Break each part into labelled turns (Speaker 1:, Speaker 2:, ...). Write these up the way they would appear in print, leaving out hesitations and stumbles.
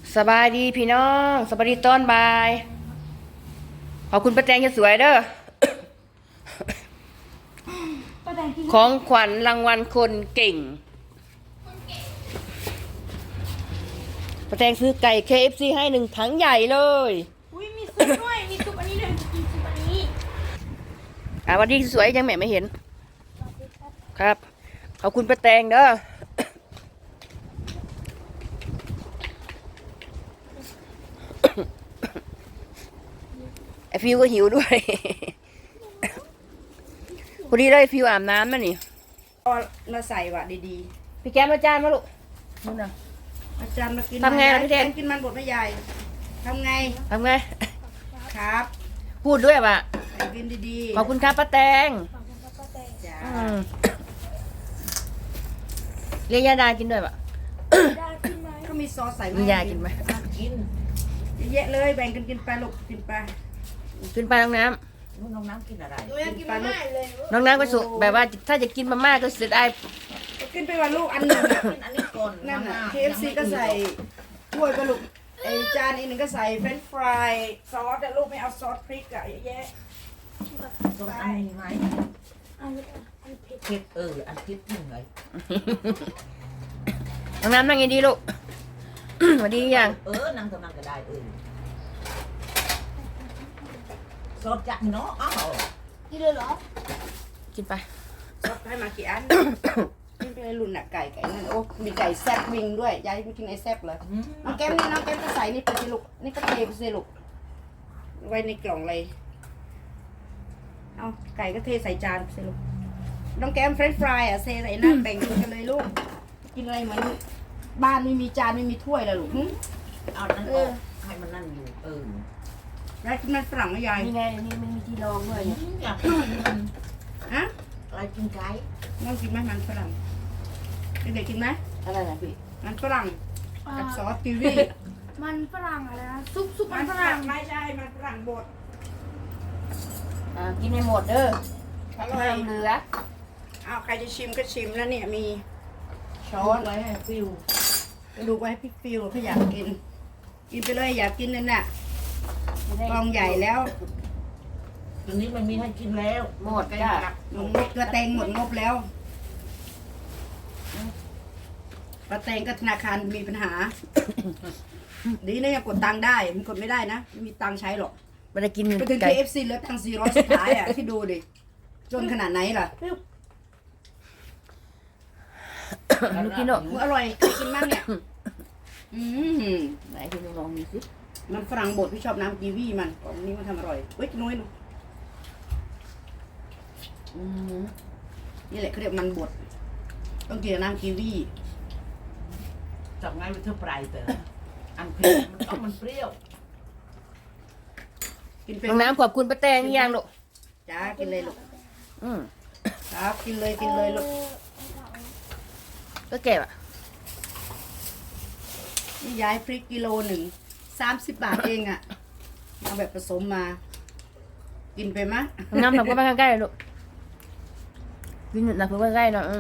Speaker 1: สบายดีพี่น้องสบายดีตอนบ่ายขอบคุณป้าแตงจะสวยเด้อของขวัญรางวัลคนเก่งป้าแตงซื้อไก่ KFC ให้1 ถังใหญ่เลย
Speaker 2: อุ้ยมีซุปด้วยมีซุปอันนี้ด้วยกินซุปอันนี้
Speaker 1: วันนี้สวยยังแม่ไม่เห็นครับขอบคุณป้าแตงเด้อไอฟิวก็หิวด้วยพอดีเลยฟิวอาบน้ำมานี่
Speaker 2: มาใส่ว่ะดี
Speaker 1: พี่แก้มอาจารย์มาลูกนู่นน่ะ
Speaker 2: ๆอาจารย์มากิน
Speaker 1: ทำไงล่ะพี่แดง
Speaker 2: กินมันบดไม่ใหญ่ทำไงครับ
Speaker 1: พูดด้วยป่ะ
Speaker 2: กินดี
Speaker 1: ๆขอบคุณครับป้าแตง
Speaker 2: จ้า
Speaker 1: เรียกยาดากินด้วยป่ะ
Speaker 2: ก็มีซอสใส่ไหม
Speaker 1: มียากินไหม
Speaker 2: กินเยอะเลยแบ่งกันกินไปลูกกินไป
Speaker 1: กินไปน้องน้
Speaker 2: ำกินอะไรกินไปลูก
Speaker 1: น้องน้ำก็สุแบบว่าถ้าจะกินมาม่าก็เสียดาย
Speaker 2: กินไปวันลูกอันหนึ่งกินอันนี้ก่อนนั่นน่ะ KFC ก็ใส่ถ้วยไปลูกไอจานอีกหนึ่งก็ใส่เฟรนช์ฟรายซอสแต่ลูกไม่เอาซอสพริกอะเยอะแยะ
Speaker 3: ตรงอันนี้ไหมเผ็ดอันเผ็ดจริงเลย
Speaker 1: น้องน้ำนั่งยังดีลูกสวัสดียัง
Speaker 3: นั่งตรงนั้นก็ได้สดจัดเนาะอ้าว
Speaker 2: กินเลยเหรอ
Speaker 1: กินไป
Speaker 2: ซอสให้มากี่อันกินไปเลยรุ่นน่ะไก่นั่นโอ้มีไก่แซ่บวิงด้วยยายไม่กินไอ้แซ่บเลยน้องแก้มนี่น้องแก้มก็ใส่นี่ไปสิลูกนี่ก็เทไปสิลูกไว้ในกล่องเลยเอาไก่ก็เทใส่จานไปสิลูกน้องแก้มเฟรนช์ฟรายอ่ะเทใส่นั่นแบ่งกินกันเลยลูกกินอะไรเหมือนบ้านไม่มีจานไม่มีถ้วยเลยลูก
Speaker 3: เอานั่นออกให้มันนั่นอยู่
Speaker 2: แล้วกินมันฝรั่งไม่ยาย
Speaker 1: นี่ไงนี่มันมีที่รองด้วย
Speaker 3: อยาก
Speaker 2: ฮะ
Speaker 3: อะไรกินไก่
Speaker 2: น้องกินไหมมันฝรั่งเด็กๆกินไหม
Speaker 1: อะไรนะพี่
Speaker 2: มันฝรั่งกับซอสกีวี
Speaker 4: มันฝรั่งอะไรนะซุปมันฝรั่ง
Speaker 2: ไม่ใช่มันฝรั่งบด
Speaker 1: กินให้หมดเด้อห้ามเหลือ
Speaker 2: เอาใครจะชิมก็ชิมแล้วเนี่ยมีช้อน
Speaker 3: ไว้ให้ฟิว
Speaker 2: ดูไว้ให้พี่ฟิวถ้าอยากกินไปเลยอยากกินนั่นน่ะกองใหญ่แล้ว
Speaker 3: ตัวนี้มันมีให้กินแล้ว
Speaker 1: หมดจ้ะ
Speaker 2: งบกระเตงหมดงบแล้วกระเตงก็ธนาคารมีปัญหาดีนะยังกดตังค์ได้มันกดไม่ได้นะไม่มีตังค์ใช้หรอก
Speaker 1: ไปได้กิน
Speaker 2: ไปถึง KFC เหลือตังค์400สุดท้ายอ่ะที่ดูดิจนขนาดไหนล่ะ
Speaker 1: ลูกกินเนาะ
Speaker 2: อร่อยใครกินบ้างเนี่ย
Speaker 1: ไหนพี่ลองดูสิ
Speaker 2: มันฝรั่งบดพี่ชอบน้ำกีวีมันของนี้มันทำอร่อยเว้ยน้อยลูกนี่แหละเขาเรียกมันบดต้องกินน้ำกีวี
Speaker 3: จับง่ายไปเท่าปลายแต่อันเผ็ดมันเปรี้ยว
Speaker 2: กินเป็น
Speaker 1: น้องน้ำขอบคุณป้าแตงยังลูก
Speaker 2: จ้ากินเลยลูกครับกินเลยลูก
Speaker 1: ก็เก็บอ่ะ
Speaker 2: นี่ย้ายพริกกิโลหนึ่ง30 บาทเองอ่ะเอาแบบผสมมากินไปมะ
Speaker 1: น้ำหนักก็ไปใกล้ๆลูกกินหนักก็ไปใกล้ๆเนาะ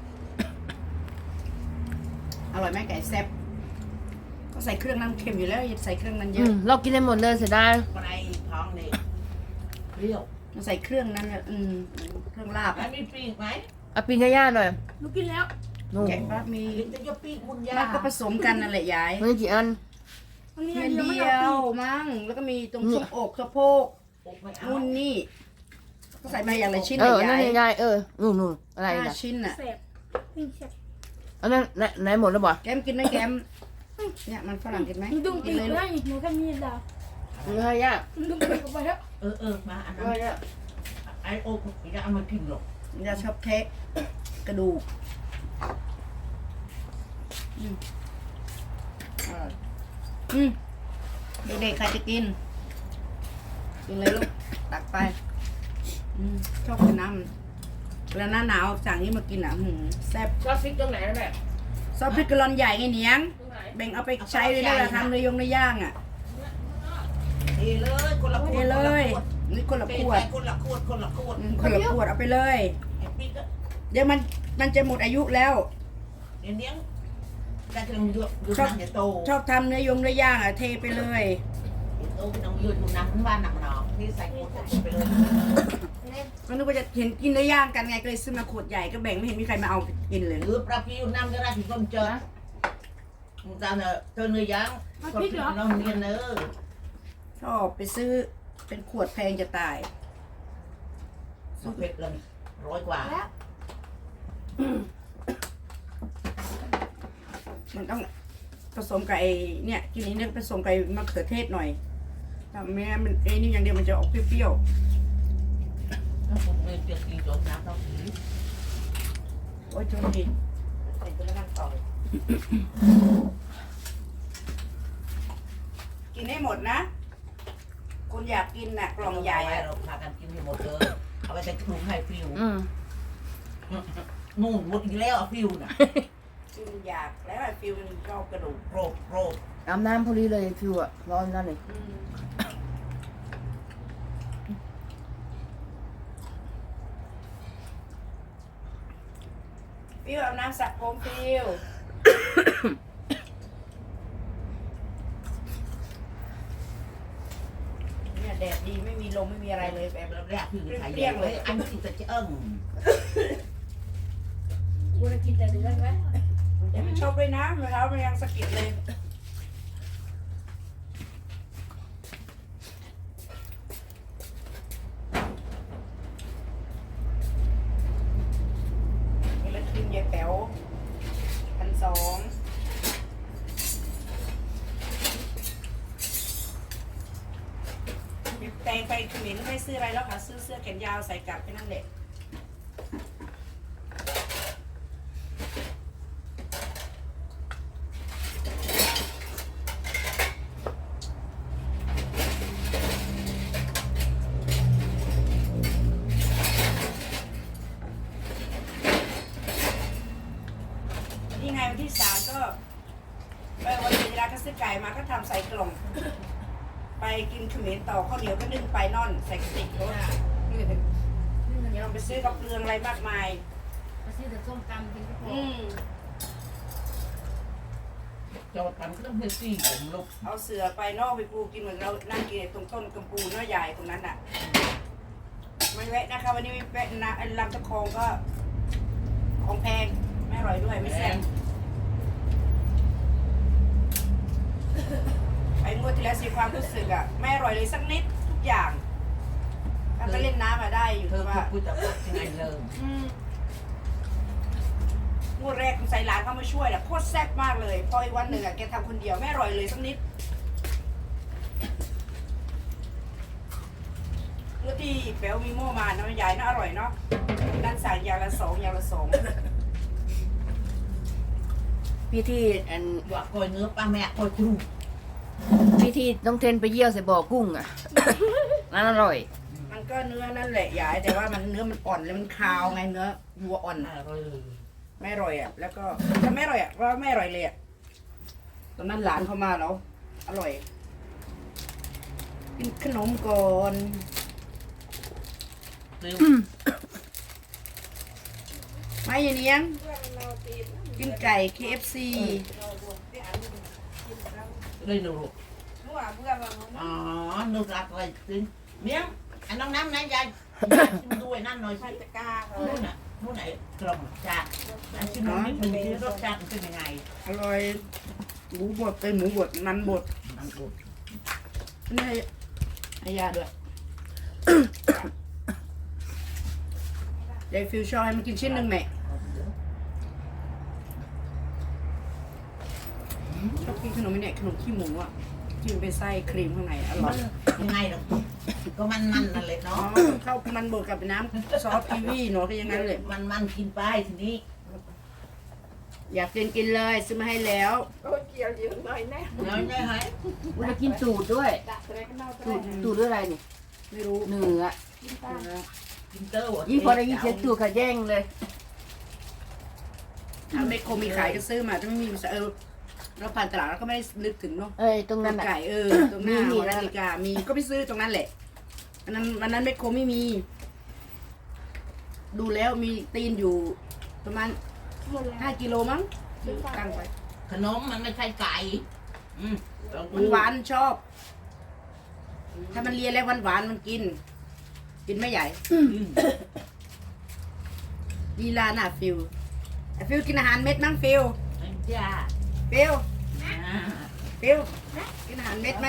Speaker 2: อร่อยไหมไก่แซ่บก็ใส่เครื่องน้ำเค็มอยู่แล้วอย่าใส่เครื่องนั้นเยอะ
Speaker 1: เรากินได้หมดเลยเสียดาย
Speaker 3: ปลายท้องนี่เปรี้ยว
Speaker 2: มันใส่เครื่องนั้นเนี่ยเครื่องลาบ
Speaker 3: แล้วมีปีกไหม
Speaker 1: เอาปีนย่าๆหน่อย
Speaker 4: ลูกกินแล้ว
Speaker 2: แกงปั๊บมี
Speaker 3: จะยกปีกมุนยา
Speaker 2: มันก็ผสมกันนั่นแหละยาย
Speaker 1: มันกี่อัน
Speaker 2: มันเดียวมั้งแล้วก็มีตรงช่วงอกสะโพกนู่นนี่ก็ใส่มาอย่างไรชิ้น
Speaker 1: ใหญ่ใหญ่นู่นอะไร
Speaker 2: นะ5 ชิ้นอ่ะ
Speaker 1: อันนั้นไหนหมดแล้วบ่
Speaker 2: แกมกินไหมแกมเนี่ยมันฝรั่งกินไหม
Speaker 4: ดุ้งปีกได้หนูแค่มีดาว
Speaker 1: เฮ้ยย่า
Speaker 4: ดุ้งปีกออกไปแล้ว
Speaker 3: มาอันนั้นไอโอ๊กอย่าเอามากินหรอก
Speaker 2: อย่าชอบเทะกระดูกเด็กๆใครจะกินเลยลูกตักไปชอบกินน้ำแล้วหน้าหนาวสั่งนี้มากินอ่ะแซ่บ
Speaker 1: ซอสพริกตรงไหนแม่
Speaker 2: ซอสพริกกะลอนใหญ่ไงเนียงแบ่งเอาไปใช้เลยนะทำเลยในย่างอ่ะ
Speaker 3: เลยคนละขวด
Speaker 2: เลยนี่คนละขวดเอาไปเลยเดี๋ยวมันจะหมดอายุแล้ว
Speaker 3: เลี้ยงได้จะลงยุดน้ำจะโต
Speaker 2: ชอบทำเนื้อย่างอ่ะเทไปเลย
Speaker 3: โตไปน้องยืดน้ำมันว่าหนักหนอที่ใส่ขวดไปเลย
Speaker 2: ก็นึกว่าจะเห็นกินเนื้อย่างกันไงก็เลยซื้อมาขวดใหญ่ก็แบ่งไม่เห็นมีใครมาเอากินเลย
Speaker 3: หรือปลาพิวน้ำจะได้ถึงต้นเจอมึงจะเนอะเธอเนื้อย่างคนที่น้องเรียนเนอะ
Speaker 2: ชอบไปซื้อเป็นขวดแพงจะตาย
Speaker 3: สุดเผ็ดเลย100 กว่า
Speaker 4: แล้ว
Speaker 2: มันต้องผสมกับไอ้เนี่ยกินนี้เนี่ยผสมกับไอ้มะเขือเทศหน่อยถ้าไม่งั้นมันไอ้นี่อย่างเดียวมันจะออกเปรี้ยว
Speaker 3: ถ้าผมไม่เปียกกินจมน้ำต้องผี
Speaker 2: ๆโอ้ยโชคดี
Speaker 3: ใส่ตัวนั่งต่อย
Speaker 2: กินให้หมดนะคนอยากกินน่ะกล่องใหญ่อะ
Speaker 3: เราพากันกินให้หมดเลยเอาไปใส่ถุงให้ฟิว
Speaker 1: อืม
Speaker 3: นู่นหมดอีกแล้วฟิวน่ะ
Speaker 2: กินอยากแล้วไอ้ฟิวมันชอบกระดูก
Speaker 3: โรคโรค
Speaker 1: อาบน้ำพอดีเลยฟิวอะร้อนนั่นเลย
Speaker 2: ฟิวเอาน้ำสักผมฟิวเนี่ยแดดดีไม่มีลมไม่มีอะไรเลยแบบ
Speaker 3: แรกฟิวถ่ายเยอะเลยอันที่จะเอิ่ง
Speaker 4: กูจะกินแต่เนื้อไหม
Speaker 2: เดี๋ยวมันชอบด้วยนะมะพร้าวมันยังสะกิดเลยนี่ละครีมยายแป๋ว1,200แตงไปเขมิ้นไม่ซื้ออะไรแล้วค่ะซื้อเสื้อแขนยาวใส่กลับไปนั่นแหละนี่ไงวันที่3ก็วันที่ร้านก็ซื้อไก่มาก็ทำใส่กล่อง ไปกินเขมิ้นต่อข้าวเหนียวก็นึ่งไปนอนใส่กระติกรถเดี๋ยวไปซื้อกับเปลืองอะไรมากมาย
Speaker 4: มาซื้อแต่ส้มตำกินก็พอ
Speaker 3: จอดกันก็ต้องเฮซี่ผมลูก
Speaker 2: เอาเสือไปนอกไปปูกินเหมือนเรานั่งกินตรงต้นกำปูเนื้อใหญ่ตรงนั้นอ่ะไม่แวะนะคะวันนี้ไม่แวะนะลำตะคองก็ของแพงไม่อร่อยด้วยไม่แซ่บไอ้งวดที่แล้วสิความรู้สึกอ่ะไม่อร่อยเลยสักนิดทุกอย่างถ้าไปเล่นน้ำมาได้อยู่
Speaker 3: เธอ
Speaker 2: ว่า
Speaker 3: พูดจะพูดยังไงเลย
Speaker 2: งวดแรกใส่หลานเข้ามาช่วยแหละโคตรแซ่บมากเลยพออีกวันหนึ่งอ่ะแกทำคนเดียวไม่อร่อยเลยสักนิดแล้วที่แป๋วมีโม่มานะมันใหญ่น่าอร่อยเนาะนั่นสั่งอย่างละ2อย่างละ
Speaker 1: พี่ที่อัน
Speaker 3: ว่าคอยเนื้อป้าแม่คอยครู
Speaker 1: พี่ที่ต้องเทนไปเยี่ยวใส่บ่อกุ้งอะ นั่นอร่อย
Speaker 2: 2มันก็เนื้อนั่นแหละใหญ่แต่ว่ามันเนื้อมันอ่อนแล้วมันคาวไงเนื้อวัวอ่อน
Speaker 3: อร่อย
Speaker 2: ไม่อร่อยอ่ะแล้วก็ถ้าไม่อร่อยอ่ะก็ไม่อร่อยเลยอ่ะตอนนั้นหลานเข้ามาแล้วอร่อยกินขนมก่อน
Speaker 3: เร็ว
Speaker 2: ไม่ยายเนียงกินไก่ KFC
Speaker 3: เลยหนูอ๋อหนูรักอะไรจริงเนี้ยอันน้องน้ำนะยายชิมด้วยนั่นหน่อยสิตะกร้านู่นน่ะนู่นไหนกล่องจานอันชิมนิดนึงที่รสชาติมันเป็นยังไง
Speaker 2: อร่อยหมูบดเป็นหมูบดมันบด
Speaker 3: มันบด
Speaker 2: นี่ให้ยาด้วยยายฟิวชอบให้มันกินชิ้นหนึ่งแม่ชอบกินขนมนี่เนี่ยขนมขี้หมูอ่ะที่มันเป็นไส้ครีมข้างในอร่
Speaker 3: มั
Speaker 2: อน ย
Speaker 3: ยังไงหรอกก็มันนั่นแหละ
Speaker 2: อ๋อ
Speaker 3: เนาะ
Speaker 2: เข้ามันบดกับน้ำซอสกีวีเนาะก็อยังงั้นเลย
Speaker 3: มันกินไปทีนี้
Speaker 2: อยากกินเลยซื้อมาให้แล้ว
Speaker 3: แล้วได้ไหม
Speaker 1: วันนี้กินตูดด้วย ตูดด้วยอะไรนี่
Speaker 2: ไม่รู้
Speaker 1: เนื้อ
Speaker 3: กินเตอร์
Speaker 1: ยิ่งพอได้ยินเสียงตูดค่ะแย่งเลย
Speaker 2: ถ้าไม่คงมีขายก็ซื้อมาถ้าไม่มีเราผ่านตลาดเราก็ไม่ได้นึกถึงเนาะ
Speaker 1: เอ้ยตรงนั้นอะ
Speaker 2: ไก่ตรงหน้า
Speaker 1: มี
Speaker 2: หอนาฬิกามีก็ไปซื้อตรงนั้นแหละวันนั้นไม่คงไม่มี ดูแล้วมีตีนอยู่ประมาณ5 กิโลมั้งตั้งไป
Speaker 3: ขนมมันไม่ใช่ไก่ลองดู
Speaker 2: หวานๆชอบ ถ้ามันเลียแล้วหวานๆมันกิน กินไม่ใหญ่ลีลาหน่ะฟิวไอ้ฟิวกินอาหารเม็ดมั้งฟิว
Speaker 3: จ้า
Speaker 2: ฟิวฟิวกินอาหารเม็ดไหม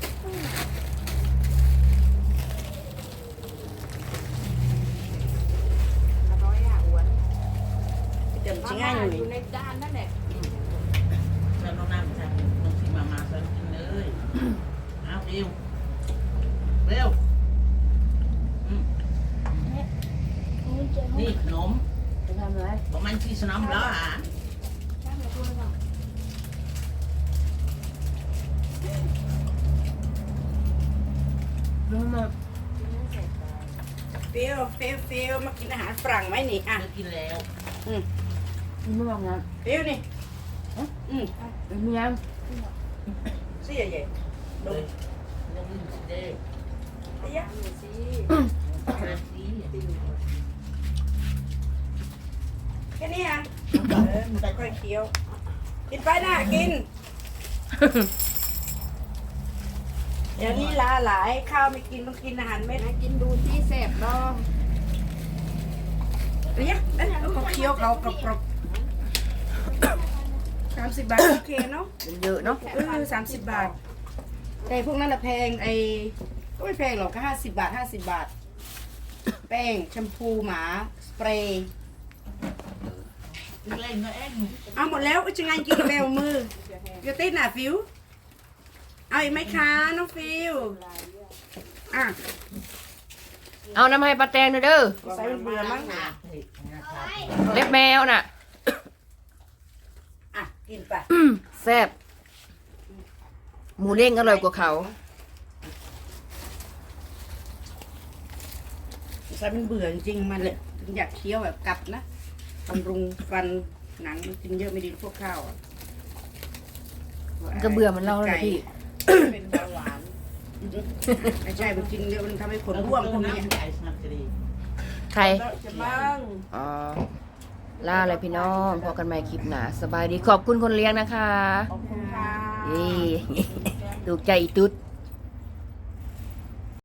Speaker 2: อร่อยอ่ะอ้วนเดี๋ยวชิง่ายอยู่
Speaker 4: อยู่ในจานนั่นแหละ
Speaker 3: แล้วน้องน้ำจะน้องที่มาสอนกินเลยเอาเร็วเร็วนี่ขนม
Speaker 1: จะทำอะไร
Speaker 3: บอกมันที่สนามแล้วอ่ะ
Speaker 1: น้องมา
Speaker 2: ฟิวมากินอาหารฝรั่งไหมนี่อ่ะ
Speaker 3: จะกินแล้ว
Speaker 1: ไม่บอกนะ
Speaker 2: ฟิวนี่
Speaker 1: มียัง
Speaker 2: เสียใหญ่
Speaker 3: เลยน้องลืมสิเด้อ
Speaker 2: เสีย
Speaker 3: มาสิ
Speaker 2: แค่นี้อ่ะมันไปค่อยเคี้ยว กินไปนะกิน เดี๋ยวนี้ลาหลายข้าวไม่กินต้องกินอาหารเม็ด
Speaker 4: กินดูที่แสบดอง
Speaker 2: เรียกเขาเคี้ยวเขากรอบ30 บาทโอเคเนาะ
Speaker 1: เยอะเนาะ
Speaker 2: 30 บาท แต่พวกนั้นละแพงก็ไม่แพงหรอกก็50 บาท 50 บาท แป้งแชมพูหมาสเปรย์
Speaker 3: เล่นก็เอ็น
Speaker 2: เอาหมดแล้วจะไงกินแมวมือเดี๋ยวติดหน่ะฟิวเอาอีกไหมคะน้องฟิวอ่ะ
Speaker 1: เอาน้ำให้ปลาแตงหน่อยเด้อ
Speaker 2: ใส่เบื่อมั้ง
Speaker 1: เล็บแมวน่ะ
Speaker 2: อ่ะกินไป
Speaker 1: แซ่บหมูเด้งอร่อยกว่าเขา
Speaker 2: ใส่มันเบื่อจริงๆมันเลยถึงอยากเคี้ยวแบบกัดนะบำรุงฟันหนังมันกินเยอะไม่ดีพวกข้าวอ่ะ
Speaker 1: มันก็เบื่อมันเล่าแล้วพี่
Speaker 2: เป็นเบาหวานไม่ใช่มันกินเยอะมันทำให้ขนร่วงพวกนี้
Speaker 3: น้ำใหญ่สนับสนุน
Speaker 1: ใคร
Speaker 2: จะมั่ง
Speaker 1: อ๋อล่าอะไรพี่น้องพอกันใหม่คลิปหนาสบายดีขอบคุณคนเลี้ยงนะคะ
Speaker 2: ขอบคุณค่ะ
Speaker 1: เย้ ถูกใจอีตุ๊ด